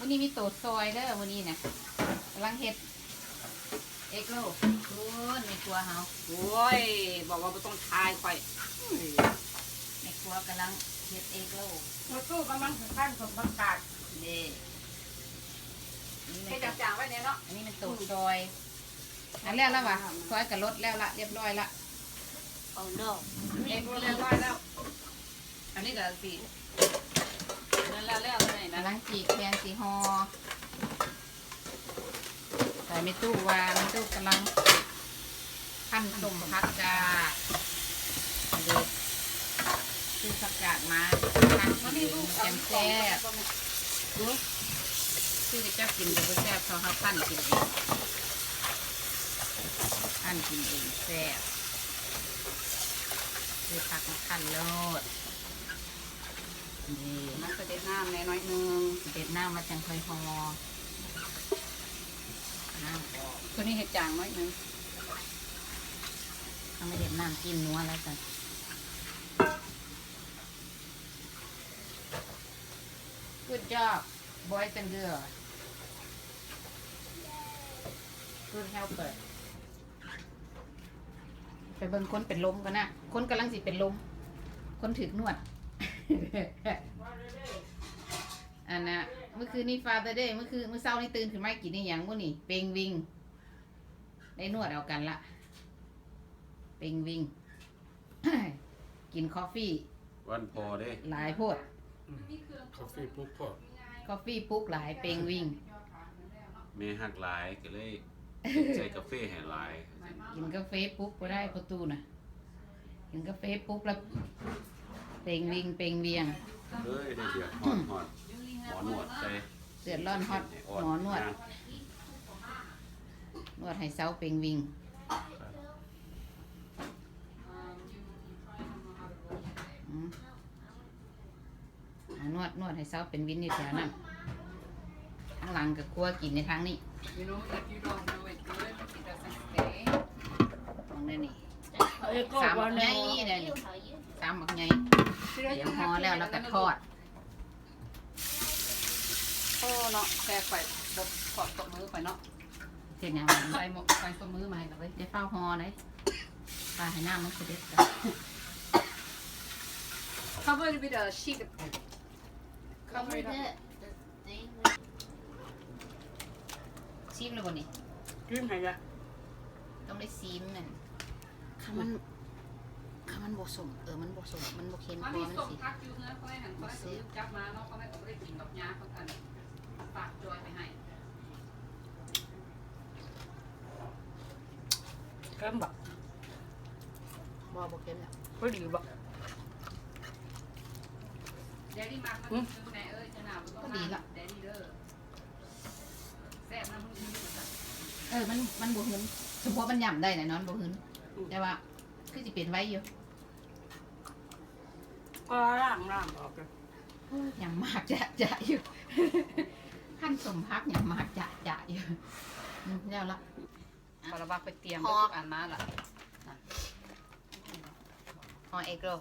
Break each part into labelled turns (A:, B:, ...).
A: วันนี้มีโตดซอยเด้อวันนี้นะกำลังเฮ็ดเอ็กโลคุณในครัวเฮา
B: โอ้ยบอกว่าไม่ต้องทายค่อย
A: ในครัวกำลังเฮ็ดเอ็กโล
B: มาสู้กำลังถึงขั้นสมบัติการ
A: เด้นี่
B: ให้
A: เป็น
B: จางๆไว้เนี่ยเนาะ
A: อันนี้เป็นโตดซอยอันแล้ววะซอยกับรถแล้วละเรียบร้อยละ
C: Oh no.
B: เองก็เรียบร้อยแล้ว อันนี้ก็สินั่นแล้วเลยนะ
A: กำลังจีกแคนสีฮอใส่ไม่ตู้วางไม่ตู้กำลังขั้นสมพักกาเด็กซื้อผักกาดมาขั้นกินแกงแซ่บซื้อไปเจ้ากินแต่ก็แซ่บเขาขั้นกินเองขั้นกินเองแซ่บซื้อผักมาขั้นโลดนี่
B: มันก็เด็ดน้ำแน่น้อยนึง
A: เด็ดหน้ามาจังค่อยฮอน้ำออก
B: ตัวนี้เห็ดจางน้อยนึง
A: ต้องไม่เด็ดน้ำจิ้มนัวแล้วกัน Good job boys and girls Good helper ไปเบิ่งคนเป็นลมกันนะคนกำลังสิเป็นลมคนถึกนวด อันน่ะเมื่อคืนนี้ Father Day เมื่อเช้านี่ตื่นขึ้นมากินนี่หยังบ่นี่เปงวิงได้นวดเอากันละเปงวิง กินคอฟฟี่
D: วันพอเด้
A: หลายโพด
E: คาเฟ่ปุ๊บก็
A: คอฟฟี่ปุ๊กหลายเปงวิง
D: เมหักหลายก็เลยใส่กาแฟให้หลาย
A: กินกาแฟปุ๊กก็ได้ประตูน่ะกินกาแฟปุ๊กแล้วเปงวิงเปงเวียง
D: เฮ้ยได้เดือดฮอดฮอดหมอนวดใส่
A: เดือดร้อนฮอตหมอนวด นวดให้เซาเปงวิงอืมเอานวดให้เซาเป็นวินนี่แถวนั้นข้างหลังกับครัวกินในทางนี้
B: You know if you don't do it good it doesn't stay
A: มองได้นี่
C: Ê, cô
A: สามหมั
C: qua
A: กใหญ่
C: đây.
A: ได้นี่สามหมักใหญ่เดี๋ยวห่อแล้วก็ทอด
B: โอ้เนาะแค่ข่อยบกขอบตบมือข่อยเนาะ
A: เสร็จยัง
B: ใส่หมกใส่ตบมือมาให้กับเลย
A: เดี๋ยวเฝ้าห่อเลยปลาให้น้ำมันเสด็จกัน
B: cover it with a sheet
C: Cover
B: cover it up
C: the thing.
A: ซีมเลยบ่นี่
B: ขึ้นให้ละ
A: ต้องได้ซีมมันข้ามันบ่สมมันบ่สมมันบ่เค็ม
B: มัน
A: พอ
B: มี
A: มัน
B: ส้ม
A: สิ
B: พักอยู่เนื้อเขาได้หันเขาได้ซื้อจับมาเนาะเขาไม่ได้กินดอกยาเขากันฝากจอยไปให้
C: Cơm bọc.
A: บ่เค็มแล้ว
C: Có gì bọc.
B: เดลี่มาร์กมันซื้อไหนเอ้ยจะหนาวต้องมาเดลี่เด้อแซ่บนะมึงนี่มัน
A: มันบ่หืนเฉพาะมันย่ำได้น่ะนอนบ่หืนแต่ว่าคือสิเป็นไว้อยู่
C: Có làm bọc rồi.
A: ย่ำมากจะอยู่ ขั้นสมพักย่ำมากจะอยู่แล้วละ
B: พอเราไปเตรียมทุกอันมาละ
A: ห่อเอ็กโร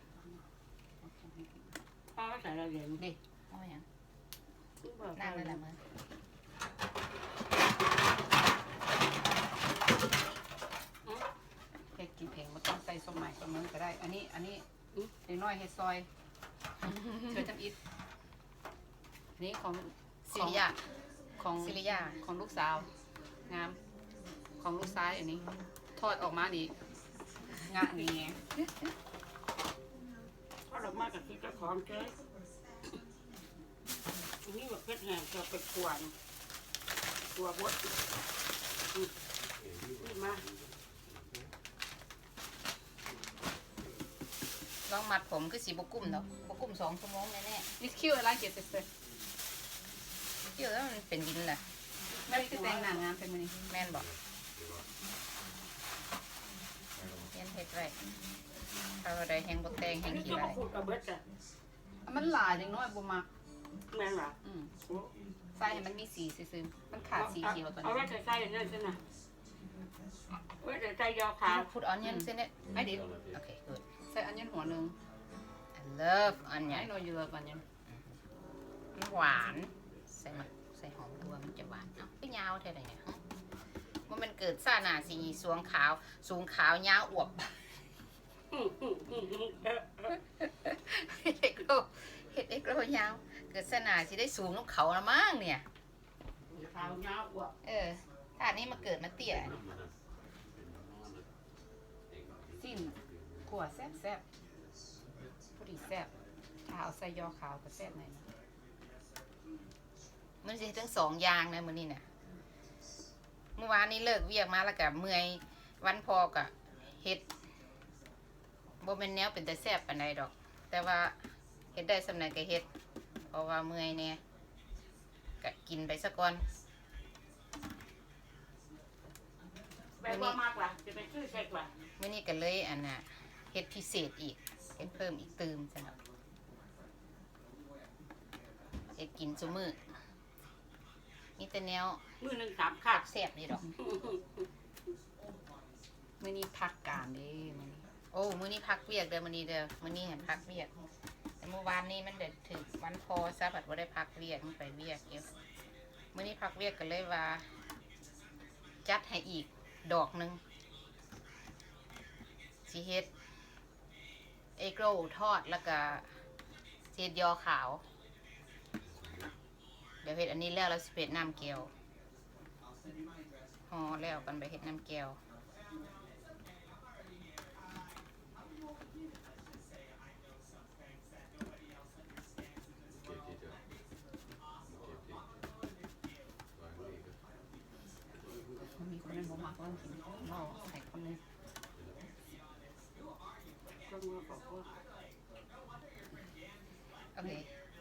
C: Có xài ra gì.
A: ดิเอาอย่าง
C: Cứ vào
A: นั่งเลย
C: đây
A: ละ
C: là
A: มือ
B: เฮ็ดกินเองมันต้องใส่ส้มใหม่ส้มมือก็ได้ อันนี้เด็กน้อยเฮ็ดซอยเชื่อจำอิดนี่ของ
A: ซิริยา
B: ของ
A: ซิริยา
B: ของลูกสาว งามของลูกซ้ายอันนี้ ทอดออกมานี่งะนี่ไง
C: có được mai cả khi cho con chơi. Ini mà kết hàng cho cái quần. Quần bút. Mà
A: ลองมัดผมคือสีบกุ้มเนาะบกุ้ม2 ชั่วโมงแน่
B: นี่คิวอะไรเก็บเสร็จ
A: ๆเดี๋ยวแล้วมันเป็นดินแหละ
B: ไม่ได้แต่งหน้างานเป็นมื้อนี้
A: แม่นบอกเขียนเฮ็ดไว้ถ้าว่าได้แห้งบ่แต่งแห้ง
C: cái
A: ขี้
C: cho
A: ไร
C: một phút là bớt rồi.
B: มันหลายเด็กน้อยบ่มัก
C: Men là.
B: ใส่ให้มันมีสีซื่อๆมันขาดสีเขียวตอน
C: Ở
B: นี้
C: đây cái xay này thế nào. Với cái xay do
A: ข้าว
C: khảo.
A: พุดออนเนียนเส้นเนี่ย
B: ไอ้ดิ
A: โอเค good
B: ใส่อันยันหัวหนึง
A: I love onion
B: I know you love onion
A: มันหวาน
B: ใ
A: ใส่หอมตัวมันจะหวานเอ้าก็ยาวเท่าไหร่เนี่ยมันเกิดซ่าหนาสีสวงขาวสูงขาวยาวอวบเฮ็ดเอ็กโลยาวเกิดซ่าหนาสิได้สูงน้ำเขาละมั้งเนี่ย
C: ขาวเงาอ้วก
A: ถ้าอันนี้มาเกิดมาเตี้ย
B: สิ้นขั่วแซ่บพอดีแซ่บถ้าเอาใส่ยอขาวก็แซ่บหน่อยนะ
A: มันจะทั้งสองอย่างนะมื้อนี้น่ะเมื่อวานนี้เลิกเวียกมาแล้วก็เมื่อยวันพอก็เฮ็ดบ่เป็นแนวเป็นแต่แซ่บปานใดดอก แต่ว่าเฮ็ดได้สำาใดก็เฮ็ดเพราะว่าเมื่อยแน่ก็กินไปซะก่อน
C: แบบว่ามากล่ะจะไปซื้อเช็คล่ะ
A: มื้อนี้ก็เลยอันน่ะเฮ็ดพิเศษอีกเฮ็ดเพิ่มอีกตืมซั่นเนาะเฮ็ดกินซุมื้อมีแต่แนว
C: มือหนึ่ง3ขาด
A: แซ่บนี่ดอก
B: มื้อนี้พักการเด้มื้อนี้
A: โอ้มื้อนี้พักเวียกเด้อมื้อนี้เด้อมื้อนี้เห็นพักเวียกแต่เมื่อวานนี้มันเด็ดถึงวันพอซะบัดบ่ได้พักเวียกมันไปเวียกเก็บมื้อนี้พักเวียกก็เลยว่า จัดให้อีกดอกหนึงสิเฮ็ดเอ็กโรทอดแล้วก็เฮ็ดยอขาวเดี๋ยวเฮ็ดอันนี้แล้วเราสิเฮ็ดน้ำแก้วห่อแล้วกันไปเฮ็ดน้ำแก้ว
B: มันมีคนนึงบ่มักว่ากินเมาใส่คนนึง
C: ก็มือบอกว่า
A: โอเค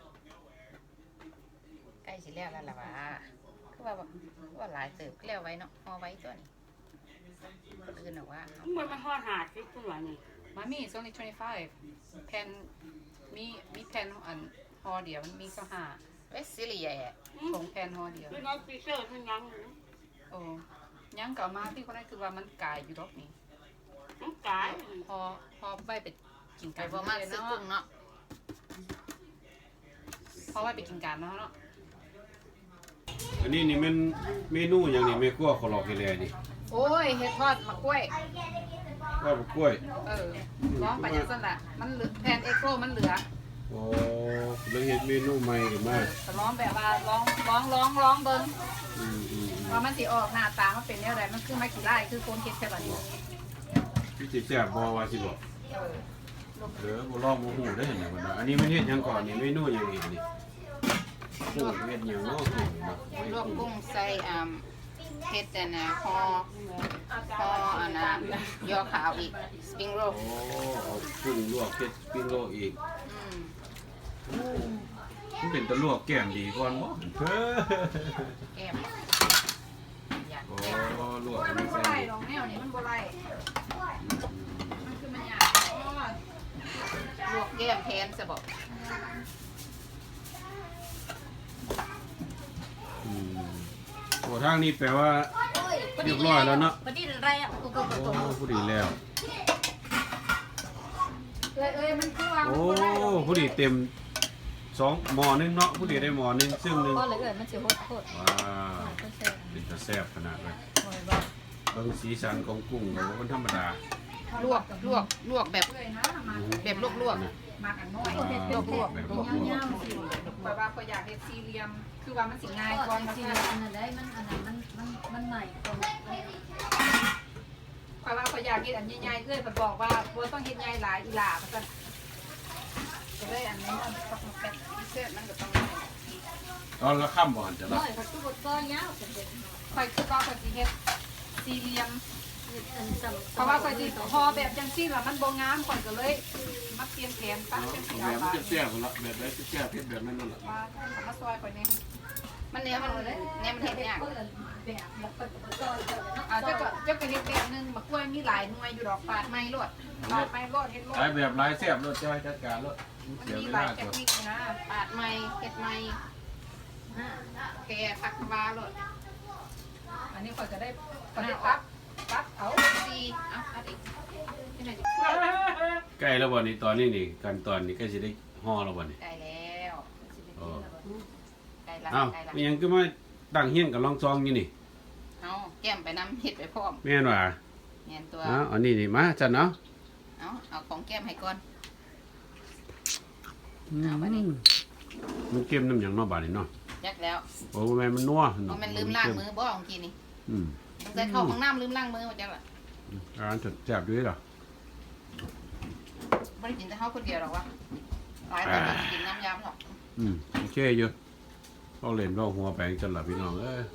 A: ใกล้สิแล้วแล้วล่ะวะคือว่าหลายเติบก็แล้วไว้เนาะห่อไว้ตัวนี้คนอื่นบอกว่าเอา
C: มันห่อหาดที่ตัวนี่
B: มามี่ it's only 25แผ่นมีแผ่นอันห่อเดียวมันมี25
A: เวสซิเลียอ่ะ
B: ผงแผ่นห่อเดียว
C: คือน้องปีเตอร์มันยัง
B: โอ้ยังเก่ามาที่คนนั้นคือว่ามันกายอยู่รอบนี้
C: น้องกาย
B: พอไปกิน
A: ไป
B: กัน
A: บ่มากซื้อกุ้งเนาะ
B: พอไปกินกันเนาะ
D: อันนี้นี่มันเมนูอย่างนี้แม่ครัวขอลอกให้แลนี่
B: โอ้ยเฮ็ดทอดมะกล้วย
D: ว่าบ่กล้วย
B: ร้องไปจังซั่นล่ะมันเหลือแผ่นเอ็กโรมันเหลือ
D: โอ้เลยเฮ็ดเมนูใหม่ขึ้นมา
B: แต่ร้องแบบว่าร้องเบิ่ง
D: อืม
B: ว่ามันสิออกหน้าตามันเป็นแนวใดมันคือไม่กี่ไร่คือโคนเฮ็ดแค่บัดนี้
D: พี่สิแซ่บบ่ว่าสิบอก
B: เออ
D: เด้อบ่ลองบ่ฮู้ได้อเห็นบ่เนาะอันนี้มันเฮ็ดหยังก่อนนี่เมนูหยังอีกนี่กุ้งเฮ็ดหยังเนาะกุ้งเนาะ
A: ลวกกุ้งใส่เฮ็ดอันน่ะห่ออันน่ะยอขาวอีกสปริงโรล
D: โอ้เอากุ้งลวกเฮ็ดปิ้งโลอีกมันเป็นตะลวกแก้มดีก่อนบ่เฮ้อ
A: แก้มอยาก
D: โอ้
A: แก้ม
D: ลวก
B: มั
D: มัน น
B: บ่
D: ใส่
B: ไล่ดอกแนวนี้มันบ่ไล่มันคือมันยาก
A: ลวกแก้มแทนซะบอก
D: อืมโอ้ทางนี้แปลว่าเรียบร้อยแล้วเนาะ
C: ประเดี๋ยวอะไรอ่ะ
D: โอ้ผู้ดีแล้ว
B: เอ้ยมันคือว่า
D: โอ้ผู้ดีเต็ม2หม้อนึงเนาะผู้ดีได้หม้อนึงซึ่งนึง
B: ก็เลยมันสิโคตร
D: ว้าวเป็นตาแซ่บขนาดเลยเบิ่งสีสันของกุ้งก็บ่เป็นธรรมดา
A: ลวกแบบ
B: เลยนะมา
A: แบบลวก
B: มากันน้อย
D: ว้าว
A: ลวก
D: แบบลวก
B: แบบว่าก็อยากเฮ็ดสี่เหลี่ยมคือว่ามันสิง่ายกว่า
F: จริงๆอันนั้นได้มันใหม่กว่า
B: เพราะว่าก็อยากเฮ็ดอันใหญ่ๆเอ้ยเพิ่นบอกว่าบ่ต้องเฮ็ดใหญ่หลายอีหล่าว่าซั่นก็เลยอันนี้มันปักมาเป็นพิเศษมันก็ต้องได้
D: ตอนละค่ำบ่จะ
F: น้
D: ละ
F: อยเขาตู้บดก้อนยาวเป็นเด็ก
B: ค่อยคือก็ค่อยสิเฮ็ดสี่เหลี่ยม
F: อันจำ
B: เพราะว่าค่อยสิพอแบบจังซี่ล่ะมันบ่งามค่อยก็เลยมาเปลี่ยนแผนปั๊บจังซี่
D: แบ
B: เอา
D: บ
B: ว่า
D: แซ่บๆละแบบได้แซ่บเฮ็ดแบบนั้นนั่นล่ะ
B: ว่าเอามาซอยค่อยนี่
A: ๆมันเนี้ยมันเฮ็ดยาก
F: แบบแล้วก็ก้อนเนาะ
B: เจ้าก็เฮ็ดแบบนึงมะกล้วยมีหลายหน่วยอยู่ดอกปาดไม้โลดปาดไม้โลดเฮ็ดโลด
D: หลายแบบหลายแซ่บรสจ้อยจัดการรส
B: มัน
D: เสีย
B: มี
D: เว
B: หลา
D: ลาย
B: เท
D: ก่
B: ค
D: อน
B: นิคนะ
A: ปาดไม้เฮ็ดไม้แกผักวาโลด
B: อันนี้ค่อยจะได้ปั๊บเอา
A: ซีเอาอัดอีกที่ไหนจะ
D: ใกล้แล้วบ่นี่ตอนนี้นี่ขั้นตอนนี้ใกล้สิได้ห่อแล้วบ่นี่
A: ได้แล้ว
D: โอ้
A: ได้
B: ละ
D: อ้าว
B: ใกล้ละ
D: มันยังก็มาตั้งเฮียนกับลองซองอยู่นี่
B: เอาแก้มไปน้ำเห็ดไปพร้อม
D: แม่นว่า
B: เงียนตัว
D: อ้าวอันนี้นี่มาจัดเนาะ
B: เอาของแก้มให้ก่อน
D: อืม
B: เอามาดิ
D: มันเค็มน้ำหยังเนาะบาดนี้เนาะ
B: ยักแล้ว
D: โอ้แม่นมันนัว
B: เพราะมันลืมล้างมือบ่ของกินนี่
D: อืม
B: ตั้งแต่เข้าห้องน้ำลืมล้างมือมาจักละ
D: อาหารจดแซ่บอยู่เด้อเหรอ
B: ไม่ได้กินแต่ข้าวคนเดียวหรอกวะหลายคนก็กินน้ำยำหรอก
D: อืมโอเคอยู่เอาเล่นเอาหัวแปลงจังล่ะพี่น้องเอ้ย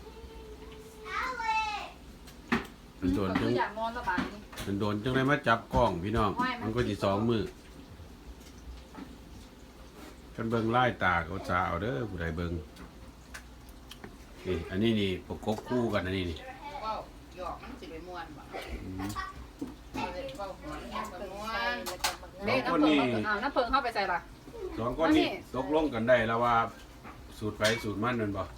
D: มันโดนจัง
B: อยากนอนสบายนี่
D: มันโดนจังได้มาจับกล้องพี่น้อง มันก็สิสองมือกันเบิ่งไล่ตาเขาจะเอาเด้อผู้ใดเบิ่งนี่อันนี้นี่ประกบคู่กันอันนี้นี่
B: ว้าวหยอกมันสิไปม่วนบ่
D: อืม
B: เอาเลยว้าวหัวมันไปม่วน
D: สองคนนี้
B: น้ำเพิงเข้าไปใส่ละ
D: สองคนนี้ตกลงกันได้แล้วว่าสูตรไปสูตรมันนั่นบ่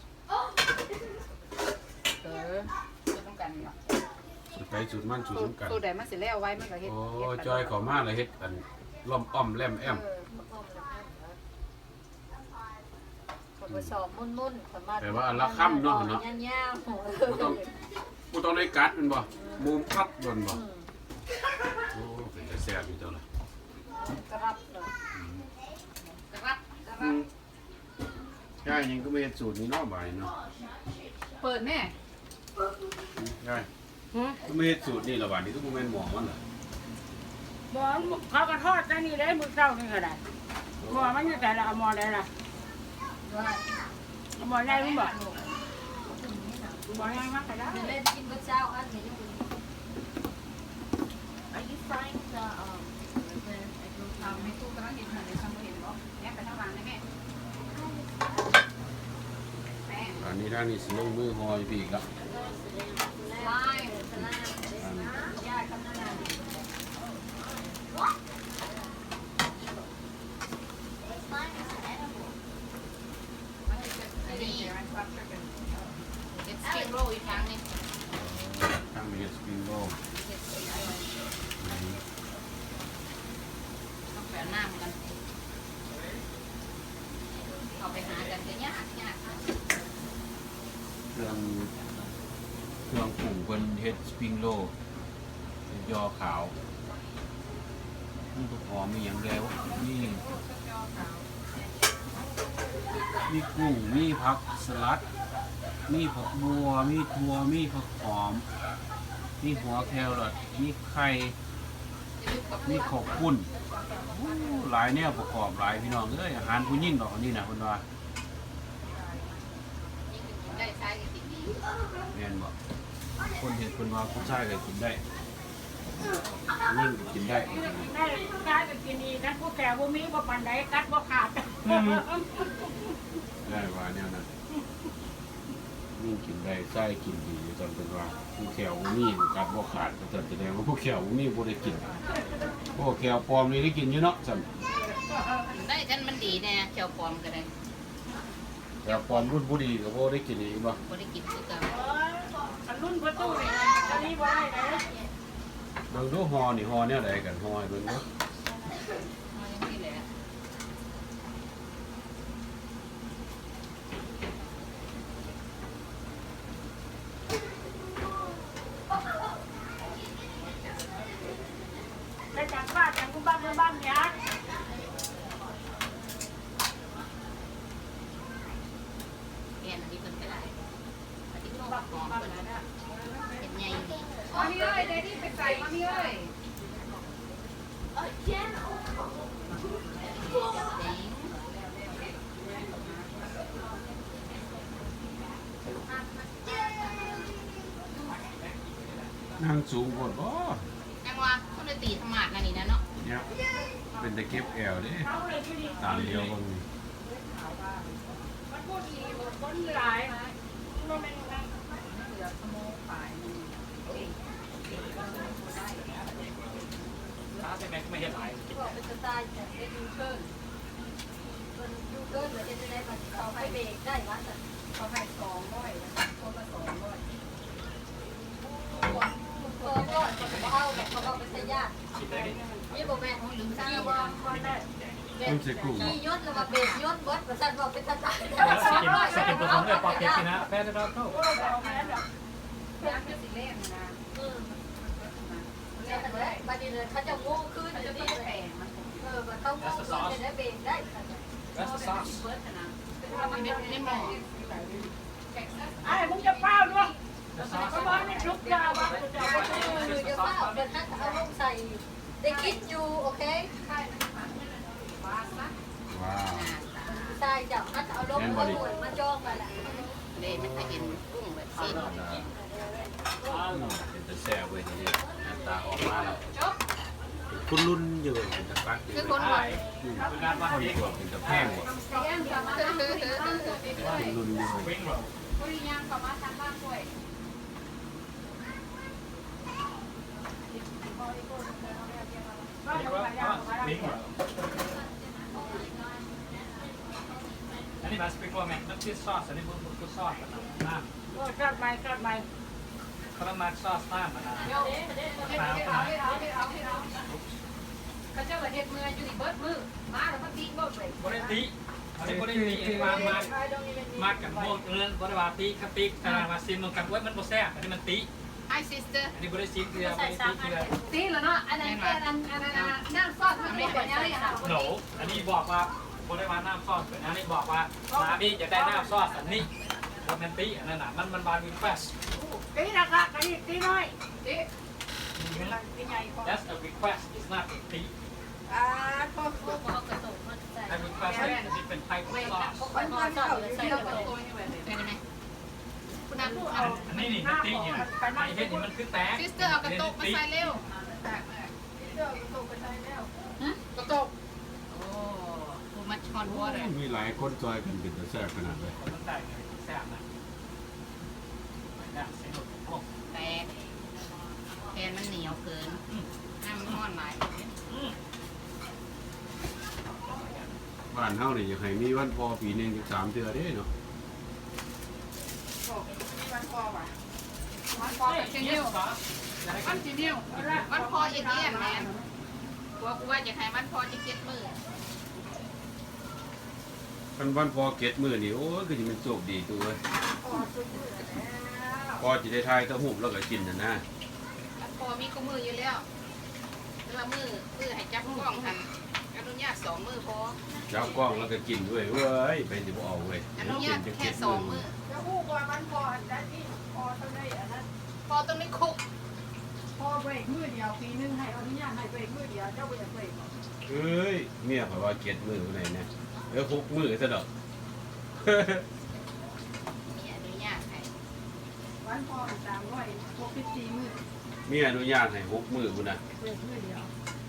B: จะต้องกันเนาะ
D: สูตรไปสูตรมันสูตรสำคัญ
B: ตัวใดมันสิแล้วไว้มันก็เฮ็ด
D: โอ้จอยเข้ามาเลยเฮ็ดอันล้อมอ้อมแลมแอม
F: คนมาสอบมุ่นๆสามารถ
D: แต่ว่าอันละค่ำเนาะเนาะ
F: ย่างๆโห
D: บ่ต้องได้กัดมันบ่มุมคัดโดนบ่โอ้เป็นแต่แซ่บอยู่เจ้าล่ะ
F: กระรับเลย
B: กระรับ
D: อืมยายยังก็ไม่เฮ็ดสูตรนี้เนาะบ่ายเนาะ
B: เปิดแน่
D: ยายก็ไม่เฮ็ดสูตรนี่ละบาดนี้ก็บ่แม่นหมอมันล่ะ
C: หมอเขาก็ทอดได้นี่ได้มือเจ้านี่ก็ได้หมอมันอยู่แต่ละเอาหมอได้ละเอาหมอได้มั้งบอกหมอได้มั้งก็ได้
F: เล่นกินบะเจ้าอันนี้ยัง
B: Are you frying the เอาในตู้กำลังเห็นเลยทำเห็นบ่แม่ไปทางหลังได้แม่แม่
D: อันนี้ด้านนี้สิลงมือหอยพี่อีกละ
F: ไล่สลามญาติกำนัน
B: อันนี้เป็นสเต็กโรลอีกครั้งนึง
D: ทางเฮ็ดสปริงโรล
B: ต้องแปะน้ำกันเอาไปหากันจะยาก
D: เครื่องปรุงเพิ่นเฮ็ดสปริงโรลยอขาวมันก็หอมมีหยังแล้วนี่มีกุ้งมีผักสลัด มีผักบัวมีถั่วมีผักหอม มีหัวแครอทมีไข่มีข้าวปุ้นโอ้หลายแนวประกอบหลายพี่น้องเอ้ยอาหารผู้หญิงดอกอันนี้นะเพิ่นว่า
B: ได้ใช้กันติดดี
D: แม่นบ่คนเห็นคนว่าผู้ชายก็กินได้ยิ่งก็กินได้
C: ได้ได้ก็กินดีนะพวกแกพวกมีว่าปันใดกัดว่าขาด
D: ได้ว่าแนวนั้นยิ่งกินได้ใส่กินดีจนเป็นว่าผู้แขวบ่มีกัดบ่ขาดก็จะแสดงว่าผู้แขวบ่มีบ่ได้กินพวกแขวปลอมนี่ได้กินอยู่เนาะซั่น
B: ได้ฉันมันดีแน่เขียวปลอมก็ได้
D: แขวปลอมรุ่นผู้ดีก็บ่ได้กินอีกบ่
B: บ่ได้กินคือกัน
C: อันรุ่นประตูนี่อันนี้บ่ได้เลย
D: เบิ่งดูฮอนี่ฮอแนวใดกันฮอให้เบิ่งเด้อ
B: เอาอย่างนี้แหละ
C: ได้จากบ้านจากคุณบ้านบ้านยักษ์
B: แกนอันนี้เพิ่นก็ได้อันนี้ต้องหอมเพิ่นนะเป็นใหญ่ดีมามีเอ้ยเดดี้ไปใส่มามีเอ้ย
D: นั่งสูงโพดบ่
B: จังว่าคนได้ตีธรรมะนั่นนี่นะเนาะ
D: เนี่ยเป็นตะเก็บแอวเด้
C: เขาเลยที่นี่
D: ตามเดียวเบิ่งนี่
C: มันพูดดีคนหลายมันเป็นไง
B: เหลือสโมกฝ่ายนึง
F: บอกเป็นสไตล์แต่เป็นยูเกิลคนยูเกิลเราจะได้มาเขาให้เบรกได้ว่าแต่
B: เขาให้200คนละ200
F: ตัวก็เอาแบบเขาเอาไปใช้ญาตินี่บอกแม่ลืมซื้อว่าคนได้
D: ต้องใส่กุ้ง
F: ขี่ยศแล้วมาเบรกยศบดประสันบอกเป็นสไตล์
E: สกิน
G: Picking up better than
C: โอ้
G: no.
C: บ่เอาแม่ดอก
B: ย่างเป็นสีแรกนะ
F: บัดนี้เลยเขาจะโง่ขึ้น
B: มัน
F: จะ
B: จะ
F: มี
B: มี
F: แผ
B: แผ
F: ล
B: งมัน
F: มันเขาโง่ขึ้นจะได้เบรกได้
G: That's the sauce.
B: เบิร์ดนะมันเป็นหม้อ
C: ไอ้มึงจะเป้าด้วย
G: The
C: ก็
G: sauce.
C: บอกนี่ลุกยาวว่าจะเอาไป
F: คือจะว่าเอาเป็นทักเอาลงใส่ได้คิดอยู่โอเค
B: ว้าซะ
D: ว้าว
F: ใช่จับทักเอาลงมาหวยมาจ้องมาแหละ
A: เลยมันจะเห็นกุ้งแบบซีน
D: เป็นตะแซ่บเว้ยทีนี้หน้าตาออกมาแล้วคุณรุ่นอยู่เป็นตะปักอยู่
A: คือคนว่า
D: เขาดีกว่าเป็นตะแพงกว่าคุณรุ่นอยู่
G: Wing roll.
B: บริยางกับมาทางบ้านด้วย
G: Wing roll. Wing roll. อันนี้มาสปริงโกแมนน้ำจิ้มซอสอันนี้บุญซอสน้ำ
C: กัดไม้กัดไม้
G: เขาต้องมาซอสน้ำมะนาว
B: เขาเจ้าเฮ็ดเมื่ออยู่ที่เบิร์ดมือมาแล้วมันตีเบิร์ดเลย
G: บริติอันนี้บริติอันนี้มากันโมกเงินบริวารติคติขนาดมาซิมมันกันไว้มันโปรแซ่บอันนี้มันติ
A: ไอซิสเตอร์
G: อันนี้บริซิมคือบริติคือ
B: ตีแล้วเนาะอันนั้นแค่อันนั่งซอดมันไม่เป็นยังไงค่ะ
G: โหนอันนี้บอกว่าบริวารน้ำซอสอันนี้บอกว่าน้ำนี่จะได้น้ำซอสอันนี้มันติอันนั้นน่ะมันบาร์บีคิวเฟส
C: ตีนะคะตีน้อย
B: ตี
G: That's a request it's not a tea
F: พ่อเขากระตุกมันใส่
G: a request นี่เป็น type of sauce
F: มันมาชอบใส่
B: เที่ยว
F: ไป
B: กับตัวนี่แบบ
A: เป็นไหมคุณน้ำพูด
G: อั
A: เอา
G: นนี้นี่มันติเนี่ยไอ้เห็ดนี่มันคือแตก
A: ซิสเตอร์เอากระตุกมาใส่เร็ว
B: กระตุก
A: โอ้โหมัชฮอนวอเตอร์
D: มีหลายคนจอยกันเป็นตะแซ่บขนาดเลย
G: มันแตกเลยแซ่บนะเสียงหมด
A: แตกแทนมันเหนียวเกินน้ำมันห้อนหลาย
D: บ้านเฮานี่อยากให้มีวันพอปีหนึงถึง3เทื่อเด้เนาะ
B: มันพอว่ะมันพอเป็นเที่ยวมันจีเนียว
A: มันพออย่างนี้แมนกลัวกูว่าจะให้มันพอจะ7 มื้อ
D: คันวันพอเก็ดมื้อนี่โอ้ยคือสิมันโชคดีตัวเว้ยพอสิได้ทายตะหุบแล้วก็กินน่ะนะ
A: พอมีก็มืออยู่แล้วแต่ว่ามือให้จับกล้องทันอนุญาต2 มื้อพอ
D: จับกล้องแล้วก็กินด้วยเว้ยไปสิบ่เอาเว้ย
A: อนุญาตแค่2 มื้อ
C: จะพูดว่ามันพอได้ที่พอเท่านี้อันนั้น
A: พอตรงนี้คุก
C: พอเบรกมือเดียวปีนึงให้อนุญาตให้เบรกมือเดียวเจ้าเบรกเบรก
D: เอ้ยเมียข่อยว่าเก็ดมื้อพุ่นน่ะ6มื้อซะดอก
A: มีอนุญาตให้
C: วันพอ364มือ
D: มีอนุญาตให้6มื้อพุ่นน่ะ
C: เบรกมือเดียว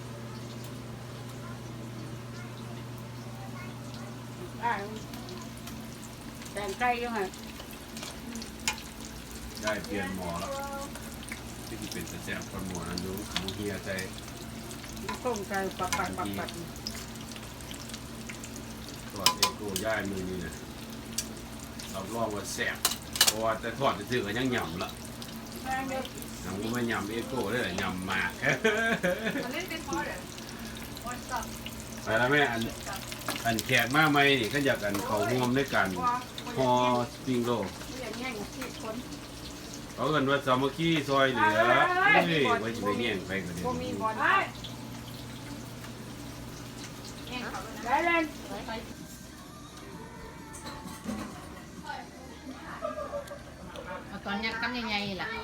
C: แต่งไก่ยังไง
D: ได้เปลี่ยนหมอแล้วที่สิเป็นตะแซ่บคนหมอนั้นอยู่หมูเฮียใจ
C: ต้มไก่ปัก
D: ทอดเอโก้ย่ายมือนี่นะรับรองว่าแซ่บเพราะว่าแต่ทอดซื่อๆก็ยังยำละ
C: แม่เด็ก
D: ยังบ่มายำเอโก้เลยล่ะยำมาก
B: มันเล่นเป็นพอเด้อ
D: ไปแล้วแม่อันแขกมาใหม่นี่ก็อยากกันเขาร่วมด้วยกันฮอสปริงโรล
C: อย่างเงี้ยที่คน
D: เขาเอิ้นว่าสามัคคีซอยเหลือเฮ้ยไว้สิไปแย่งไปก็ได้
C: มีบอลได้ได้เล่น
A: เอาตอนยักษ์กำใหญ่ๆล่ะ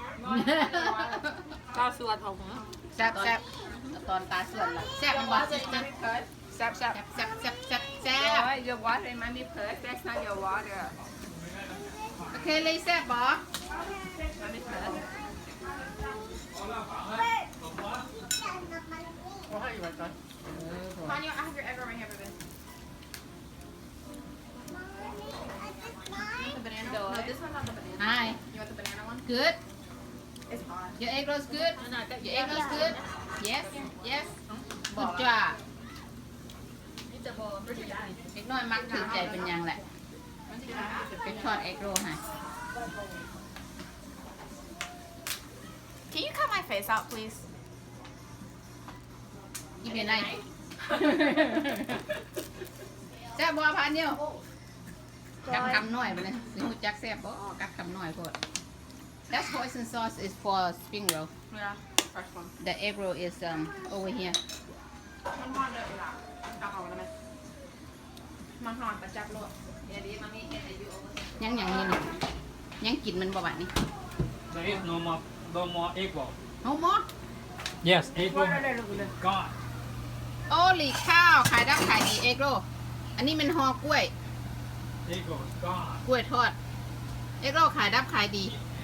B: ข้าวสวยของ
A: แซ่บแซ่บเอาตอนตาส่วนล่ะแซ่บมันบ่ซิสเตอร์
B: แซ่บ
A: แซ่บแซ่บแซ่บแซ่บแซ่บ
B: your water it might be perfect that's not your water
A: โอเคเลยแซ่บบ่
B: มันไม่ perfect
A: พอนี่ I have your egg right here baby
F: the banana
A: No,
F: this one not the banana
A: Hi
F: you want the banana one
A: good
F: it's hot
A: your egg rolls good your egg rolls good yes yes good job
F: it's a bowl pretty nice
A: เด็กน้อยมักถือใจเป็นยังแหละเป็นทอดเอ็กโรให้
F: Can you cut my face out please
A: กินเป็นไรแซ่บบัวพันเดียวกัดคำน้อยไปเลยสิหูจักแซ่บบ่กัดคำน้อยโพด That hoisin sauce is for spring roll.
B: Yeah, fresh one.
A: The egg roll is over here.
B: มันนอนเลยล่ะเอาเขาแล้วไหมมันนอนประจับโลด
A: ยังนี่ยังกินมันบ่บาดนี่
G: There is no more egg roll.
A: เฮาหมด
G: Yes, egg
C: ว่า
G: roll
C: ได้ลูกเลย
G: gone.
A: โอ้หลีข้าวขายดับขายดีเอ็กโรอันนี้มันห่อกล้วย
G: Egg roll is gone.
A: กล้วยทอด เอ็กโรขายดับขายดี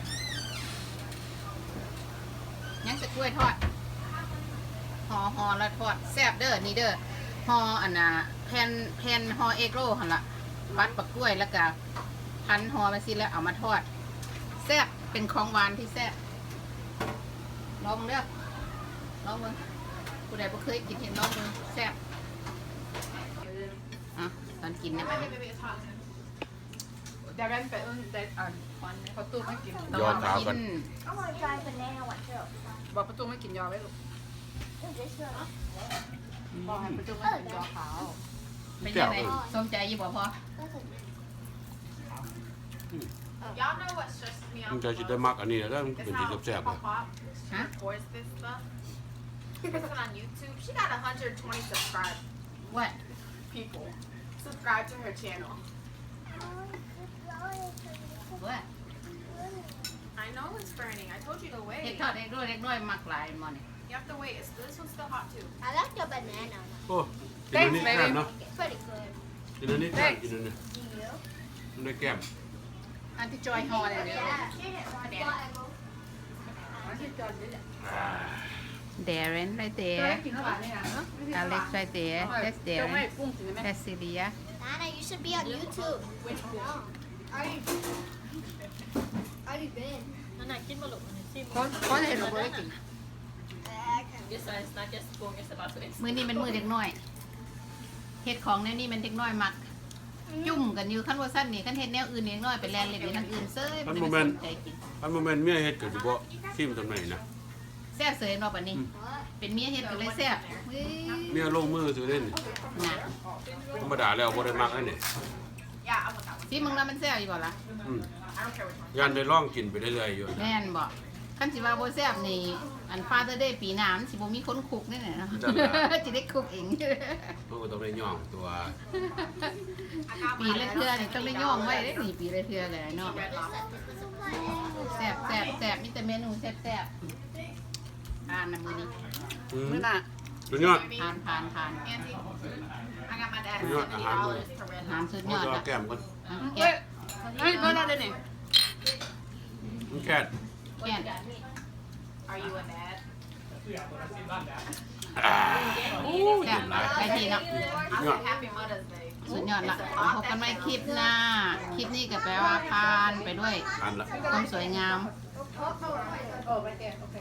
A: ยังจะกล้วยทอดห่อแล้วทอดแซ่บเด้อนี่เด้อห่ออันน่ะแผ่นห่อเอ็กโรหั่นล่ะปัดปักกล้วยแล้วก็พันห่อมาสิแล้วเอามาทอดแซ่บเป็นของหวานที่แซ่บลองเด้อลองมึงผู้ใดบ่เคยกินเห็นลองมึงแซ่บอ่ะตอนกินเนี่ยบัดนี้
B: เดี๋ยวเรนไปได้วันประตูไม่กิน
A: ตอนกิน
F: I want to try banana one too.
B: บอกประตูไม่กินยอไว้ลูก
F: This one.
B: บอกให้ประตูไม่กินยอขาว
A: เป็นยังไงสมใจอยู่บ่พอ
H: Y'all know what stressed me
E: มัน
H: out
E: จะ
H: the
E: คิดได้
H: most?
E: มากอันนี้แล้วมัน
H: Is
E: เป็น
H: how
E: ที่แซ่บๆเลย
H: Pop
A: Huh?
H: records this stuff. Posted on YouTube. She got 120 subscribed
A: what
H: people. Subscribe to her channel.
A: what
H: I know it's burning. I told you to
A: เด็ก
H: wait.
A: ทอดเด็กด้วยเด็กน้อยมักหลายมอนี่
H: You have to wait. This one's still hot too.
F: I like the banana one.
E: โอ้กินอันนี้แก้มเนาะ
F: It's pretty good.
E: กินอันนี้แก้มกินอันนี้
F: Do you?
E: มันได้แก้ม
A: อันที่จอยห่อเลยเดี๋ยว Darren right
B: เจอ
A: there
B: กินแล้วบ้านเนี่ยนะ
A: Alex right there that's
B: เจ้าไม่
A: Darren
B: กุ้งกินไหม
A: that's Celia
F: Nana, you should be on YouTube.
H: Which one?
F: Already been.
B: คนเห็นเราไม่กิน
A: มือนี้เป็นมือเด็กน้อยเฮ็ดของแนวนี้มันเด็กน้อยมัก จุ่มกันอยู่ขั้นว่าสั้นนี่ขั้นเฮ็ดแนวอื่นเด็กน้อยไปแลนเล่นอยู่ทางอื่นเซ้ยบ่ได้ไปสนใจกิน
E: อันโมเมนต์เมียเฮ็ดก็สิบ่ซิมตำไหนนะ
A: แซ่บเสยเนาะบัดนี้ เป็นเมียเฮ็ดก็เลยแซ่บเฮ้ย
E: เมียลงมือซื้อเล่น
A: น่ะ
E: ธรรมดาแล้วบ่ได้มักอันนี้
H: Yeah, I want that one.
A: สิมึงแล้วมันแซ่บอยู่บ่ล่ะ
E: อืม
H: I don't care which one.
E: ยันได้ลองกินไปเรื่อยๆอยู่
A: แม่นบ่คันสิว่าบ่แซ่บนี่อัน Father Day ปีหน้ามันสิบ่มีคนคุกแน่ๆเนาะ สิได้คุกเอง
E: มันก็ต้องได้ย่องตัว
A: ปีละเทื่อนี่ต้องได้ย่องไว้เด้นี่ปีละเทื่อเลยเนาะ
H: Red lobster.
A: แซ่บแซ่บแซ่บมีแต่เมนูแซ่บแซ่บทานนะมื้อนี้
E: อืม
B: มื้อหน้า
E: สุดยอด
A: ทาน
H: Auntie, I got my dad
E: You want
H: $70 for red
A: ทาน
H: lobster.
A: สุดย
E: มัน
A: อด
E: จะเอา
A: อ่ะ
E: แก้มก่อน
A: อ่ะ
B: เฮ้
A: แกะ
B: ยเฮ้ยเมื่อไรเดี๋ยวนี้
E: มันแค่
A: แกะ
H: Are you a dad?
A: แซ่บไปทีเนาะ
H: I said Happy Mother's Day.
A: สุดยอดละพบกันใหม่คลิปหน้า คลิปนี้ก็แปลว่าผ่านไปด้วย
E: อันละ
A: ความสวยงาม
B: โอ้ไม่แก่โอเค